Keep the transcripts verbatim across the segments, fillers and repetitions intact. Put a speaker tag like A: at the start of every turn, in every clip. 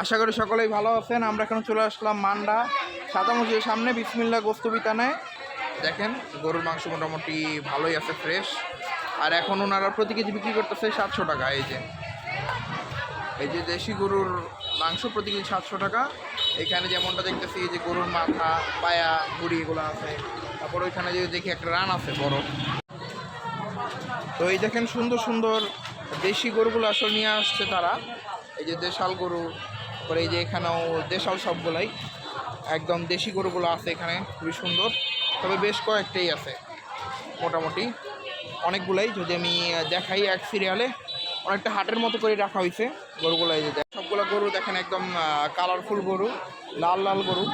A: আশা করি সকলেই ভালো আছেন। আমরা এখন চলে আসলাম মান্ডা সাদা মসজিদের সামনে বিসমিল্লাহ গোস্ত বিতানে। দেখেন গরুর মাংস মোটামুটি ভালোই আছে, ফ্রেশ। আর এখন ওনারা প্রতি কেজি বিক্রি করতেছে সাতশো টাকা। এই যে এই যে দেশি গরুর মাংস প্রতি কেজি সাতশো টাকা। এখানে যেমনটা দেখতেছি এই যে গরুর মাথা, পায়া, ভুড়ি এগুলো আছে। তারপর ওইখানে যে দেখি একটা রান আছে বড়। তো এই দেখেন সুন্দর সুন্দর দেশি গরুগুলো আসলে নিয়ে আসছে তারা। এই যে দেশাল গরু, তারপরে এই যে এখানেও দেশাল সবগুলাই একদম দেশি গরুগুলো আছে এখানে, খুবই সুন্দর। তবে বেশ কয়েকটাই আছে, মোটামুটি অনেকগুলাই। যদি আমি দেখাই এক সিরিয়ালে, অনেকটা হাটের মতো করে রাখা হয়েছে গরুগুলো। এই যে সবগুলো গরু দেখেন একদম কালারফুল গরু, লাল লাল গরু,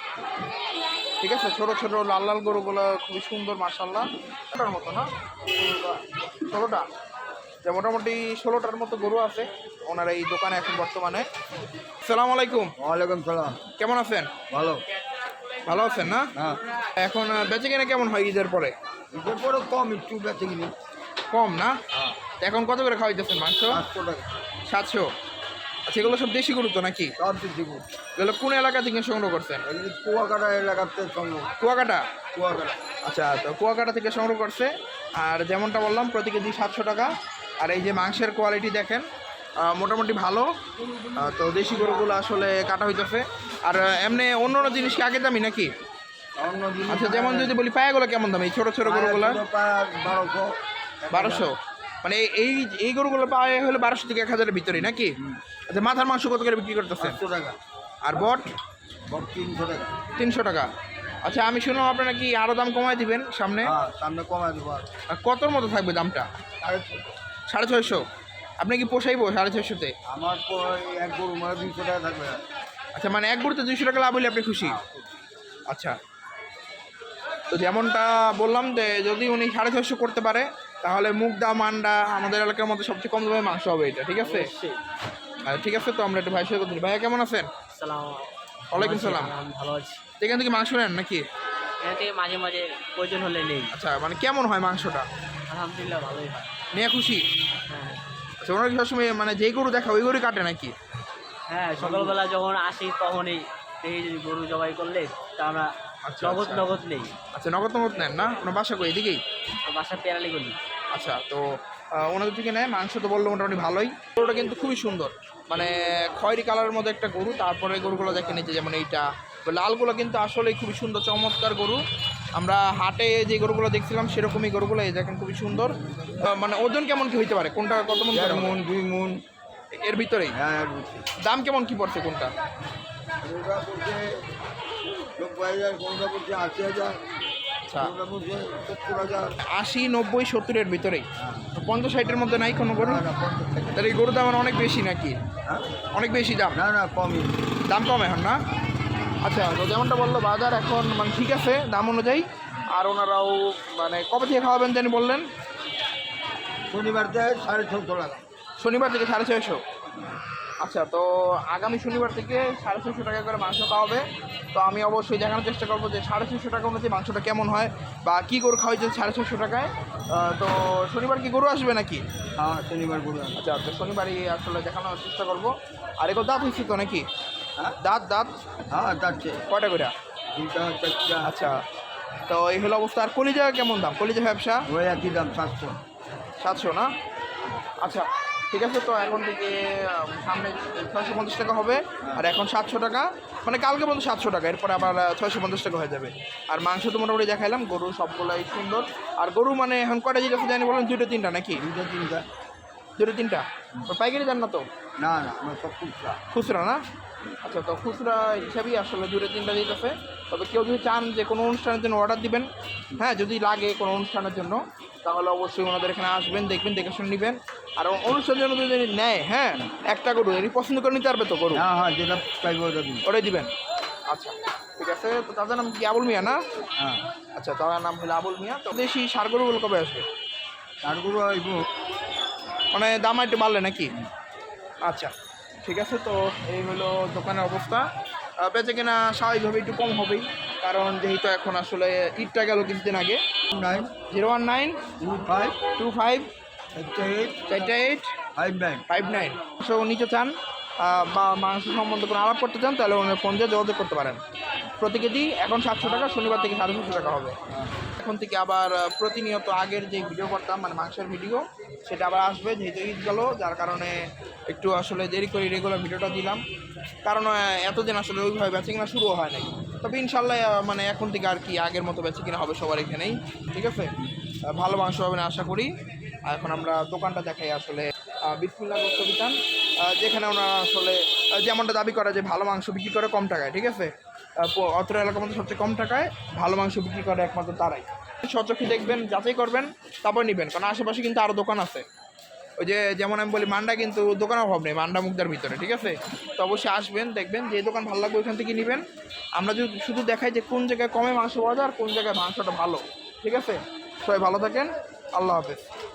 A: ঠিক আছে। ছোটো ছোটো লাল লাল গরুগুলো খুবই সুন্দর মাশাআল্লাহ। ষোলোটার মতো না, ষোলোটা যে মোটামুটি ষোলোটার মতো গরু আছে ওনার এই দোকানে এখন বর্তমানে। আসসালামু আলাইকুম।
B: ওয়ালাইকুম সালাম।
A: কেমন আছেন?
B: ভালো।
A: ভালো আছেন না?
B: হ্যাঁ।
A: এখন বেচে কিনে কেমন হয় ঈদের পরে?
B: ঈদের পরে কম, একটু বেঁচে কিনি।
A: কম না?
B: হ্যাঁ।
A: এখন কত করে খাওয়াইতেছেন মাংস?
B: সাতশো টাকা।
A: সাতশো। আচ্ছা, এগুলো সব দেশি গরু তো নাকি?
B: সব দেশি গরু।
A: এগুলো কোন এলাকা থেকে সংগ্রহ করছেন?
B: এগুলি কুয়াকাটা এলাকাতে সংগ্রহ।
A: কুয়াকাটা?
B: কুয়াকাটা।
A: আচ্ছা, তো কুয়াকাটা থেকে সংগ্রহ করছে। আর যেমনটা বললাম প্রতি কেজি সাতশো টাকা। আর এই যে মাংসের কোয়ালিটি দেখেন মোটামুটি ভালো। তো দেশি গরুগুলো আসলে কাটা হইতেছে। আর এমনি অন্য অন্য জিনিস কি আগে দামি নাকি?
B: অন্য জিনিস
A: আচ্ছা, যেমন যদি বলি পায়াগুলো কেমন দাম এই ছোটো ছোটো গরুগুলো?
B: বারোশো।
A: বারোশো মানে এই এই গরুগুলো পায়ে হলে বারোশো থেকে এক হাজারের ভিতরেই নাকি? আচ্ছা, মাথার মাংস কত করে বিক্রি করতেছে?
B: সাতশো টাকা।
A: আর বট?
B: বট তিনশো টাকা।
A: তিনশো টাকা। আচ্ছা, আমি শুনলাম আপনারা কি আরও দাম কমায় দিবেন সামনে?
B: হ্যাঁ, সামনে কমায় দেবো।
A: আর কতর মতো থাকবে দামটা? সাড়ে ছয়শো। আপনি কি পোষাইবো সাড়ে ছয়শোতে?
B: আমার এক গরু মানে দুইশো টাকা থাকবে।
A: আচ্ছা, মানে এক গরুতে দুইশো টাকা লাভ হলে আপনি খুশি? আচ্ছা, তো যেমনটা বললাম যে যদি উনি সাড়ে ছয়শো করতে পারে তাহলে মুগদা মান্ডা আমাদের এলাকার মধ্যে সবচেয়ে কম দামে মাংস হবে এটা, ঠিক আছে? ঠিক আছে, তো আমরা একটু ভাই সাথে কথা বলি। ভাইয়া কেমন আছেন? ওয়ালাইকুম সালাম।
C: ভালো আছি।
A: এখান থেকে মাংস নেন নাকি?
C: এখান থেকে মাঝে মাঝে প্রয়োজন হলে নেই।
A: আচ্ছা, মানে কেমন হয় মাংসটা?
C: আলহামদুলিল্লাহ ভালোই হয়।
A: নিয়ে খুশি?
C: হ্যাঁ
A: আচ্ছা, ওনার কি সবসময় মানে যেই গরু দেখা ওই গরু কাটে নাকি?
C: হ্যাঁ, সকালবেলা যখন আসি তখনই এই গরু জবাই করলে তা আমরা
A: আচ্ছা,
C: নগদ
A: আচ্ছা।
C: নগদ নেই।
A: আচ্ছা, নগদ নগদ নেন না? আপনার বাসা কই এদিকেই?
C: বাসা পেরালি গলি।
A: আচ্ছা, তো ওনাদের থেকে নেয় মাংস তো বললো মোটামুটি ভালোই। গরুটা কিন্তু খুবই সুন্দর, মানে খয়েরি কালারের মধ্যে একটা গরু। তারপরে গরুগুলো দেখে নিচ্ছে যেমন এইটা লালগুলো কিন্তু আসলেই খুবই সুন্দর চমৎকার গরু। আমরা হাটে যে গরুগুলো দেখছিলাম সেরকমই গরুগুলো এই দেখেন খুবই সুন্দর। মানে ওজন কেমন কি হইতে পারে? কোনটা কত মন?
B: দেড় মন, দুই মন
A: এর ভিতরেই?
B: হ্যাঁ।
A: দাম কেমন কি পড়ছে কোনটা?
B: কোনটা পড়ছে নব্বই হাজার, কোনটা পড়ছে আশি হাজার,
A: আচ্ছা,
B: কোনটা পড়ছে সত্তর হাজার।
A: আশি, নব্বই, সত্তরের ভিতরেই?
B: হ্যাঁ।
A: পঞ্চাশ ষাটের মধ্যে নাই কোনো গরু?
B: না, না, পঞ্চাশ টাকা।
A: তাহলে এই গরুর দাম অনেক বেশি নাকি?
B: হ্যাঁ?
A: অনেক বেশি দাম?
B: না না, কমই।
A: দাম কম এখন না? আচ্ছা, তো যেমনটা বললো বাজার এখন মানে ঠিক আছে দাম অনুযায়ী। আর ওনারাও মানে কবে থেকে খাওয়াবেন জানি বললেন?
B: শনিবার থেকে সাড়ে ছশো টাকা।
A: শনিবার থেকে সাড়ে ছয়শো। আচ্ছা, তো আগামী শনিবার থেকে সাড়ে ছয়শো টাকা করে মাংস খাওয়াবে। তো আমি অবশ্যই দেখানোর চেষ্টা করবো যে সাড়ে ছয়শো টাকা অনুযায়ী মাংসটা কেমন হয় বা কী গরু খাওয়াইছে সাড়ে ছয়শো টাকায়। তো শনিবার কি গরু আসবে নাকি?
B: হ্যাঁ, শনিবার গরু।
A: আচ্ছা, তো শনিবারই আসলে দেখানোর চেষ্টা করবো। আর এগুলো দাঁত হয়েছে তো নাকি?
B: হ্যাঁ,
A: দাঁত দাঁত
B: হ্যাঁ, যাচ্ছে
A: কয়টা করে?
B: দুইটা চারটা।
A: আচ্ছা, তো এই হলো অবস্থা। আর কলিজা কেমন দাম? কলিজা ব্যবসা
B: ওই একই দাম, সাতশো।
A: সাতশো না? আচ্ছা, ঠিক আছে। তো এখন থেকে সামনে ছয়শো পঞ্চাশ টাকা হবে, আর এখন সাতশো টাকা, মানে কালকে পর্যন্ত সাতশো টাকা, এরপরে আবার ছয়শো পঞ্চাশ টাকা হয়ে যাবে। আর মাংস তো মোটামুটি দেখাইলাম, গরু সবগুলাই সুন্দর। আর গরু মানে এখন কয়টা জিনিস আছে জানি বলেন? দুটো তিনটা নাকি?
B: দুইটা তিনটা।
A: দুটো তিনটা? পাইকারি দেন না তো?
B: না না, আমার সব খুচরা।
A: খুচরা না? আচ্ছা, তো খুচরা হিসাবেই আসলে দুটো তিনটা দিতেছে। তবে কেউ যদি চান যে কোনো অনুষ্ঠানের জন্য অর্ডার দিবেন, হ্যাঁ, যদি লাগে কোনো অনুষ্ঠানের জন্য তাহলে অবশ্যই ওনাদের এখানে আসবেন, দেখবেন, দেখে শুনে নেবেন। আর অনুষ্ঠানের জন্য যদি নেয়, হ্যাঁ, একটা গরু এরই পছন্দ করে নিতে পারবে তো গরু?
B: হ্যাঁ হ্যাঁ, যেটা চাইবো ওটা দিন।
A: ওটাই দিবেন? আচ্ছা, ঠিক আছে। তো তাদের নাম কি আবুল মিয়া না?
B: হ্যাঁ।
A: আচ্ছা, তার নাম হলো আবুল মিয়া। তো দেশি ষাড় গরুগুলো কবে আসবে?
B: আর গরু আইব
A: মানে দাম একটু বাড়লে নাকি? আচ্ছা, ঠিক আছে। তো এই হলো দোকানের অবস্থা। বেচে কিনা স্বাভাবিকভাবে একটু কম হবেই, কারণ যেহেতু এখন আসলে ঈদটা গেল কিছুদিন আগে।
B: Nine
A: zero one nine
B: two five
A: two five
B: একটা এইট
A: চারটা eight
B: five nine.
A: Five nine. So নিচে চান আহ, বা মাংস সম্বন্ধে কোনো আলাপ করতে চান তাহলে ওনার ফোন দিয়ে যোগাযোগ করতে পারেন। প্রতি কেজি এখন সাতশো টাকা, শনিবার থেকে সাড়ে সাতশো টাকা হবে। এখন থেকে আবার আহ, প্রতিনিয়ত আগের যে ভিডিও করতাম মানে মাংসের ভিডিও সেটা আবার আসবে, যেহেতু ঈদ গেল যার কারণে একটু আসলে দেরি করে রেগুলার ভিডিওটা দিলাম, কারণ আহ, এতদিন আসলে ওইভাবে বেচে কিনা শুরুও হয় নাই। তবে ইনশাল্লাহ আহ, মানে এখন থেকে আর কি আগের মতো বেচে কিনা হবে সবার এখানেই, ঠিক আছে। আহ, ভালো মাংস হবে না আশা করি। আর এখন আমরা দোকানটা দেখাই আসলে আহ, বিসমিল্লাহ গোস্ত বিতান, আহ, যেখানে ওনারা আসলে আহ, যেমনটা দাবি করে যে ভালো মাংস বিক্রি করে কম টাকায়, ঠিক আছে। আহ, প- অত্র এলাকার মধ্যে সবচেয়ে কম টাকায় ভালো মাংস বিক্রি করে একমাত্র তারাই। সচক্ষে দেখবেন, যাচাই করবেন, তারপর নেবেন, কারণ আশেপাশে কিন্তু আরও দোকান আছে। ওই যে যেমন আমি বলি মান্ডা কিন্তু দোকানের অভাব নেই, মান্ডা মুগদার ভিতরে, ঠিক আছে। তো অবশ্যই আসবেন, দেখবেন যে দোকান ভালো লাগবে ওইখান থেকে নেবেন। আমরা যদি শুধু দেখাই যে কোন জায়গায় কমে মাংস পাওয়া যায় আর কোন জায়গায় মাংসটা ভালো, ঠিক আছে। সবাই ভালো থাকেন, আল্লাহ হাফেজ।